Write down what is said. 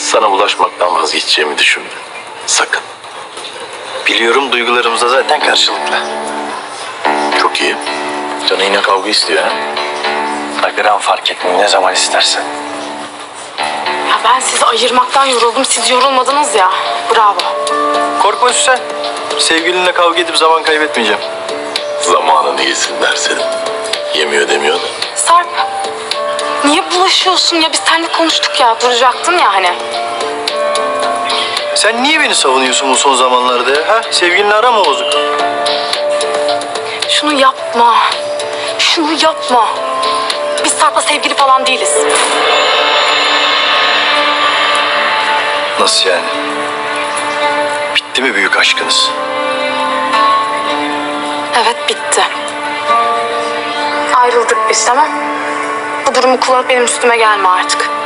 Sana bulaşmaktan vazgeçeceğimi düşünme. Sakın. Biliyorum, duygularımız da zaten karşılıklı. Çok iyi. Canı yine kavga istiyor ha. Gram fark etmiyor, ne zaman istersen. Ya ben sizi ayırmaktan yoruldum. Siz yorulmadınız ya. Bravo. Korkma Süsen. Sevgilinle kavga edip zaman kaybetmeyeceğim. Zamanını yesinler senin. Yemiyor demiyor da. Sarp. Niye bulaşıyorsun ya? Biz seninle konuştuk ya. Duracaktın ya hani. Sen niye beni savunuyorsun bu son zamanlarda ya? Ha? Sevgilinle ara mı bozuk? Şunu yapma. Şunu yapma. Biz Sarp'la sevgili falan değiliz. Nasıl yani? Bitti mi büyük aşkınız? Evet, bitti. Ayrıldık biz, tamam. Bu durumu kullanıp benim üstüme gelme artık.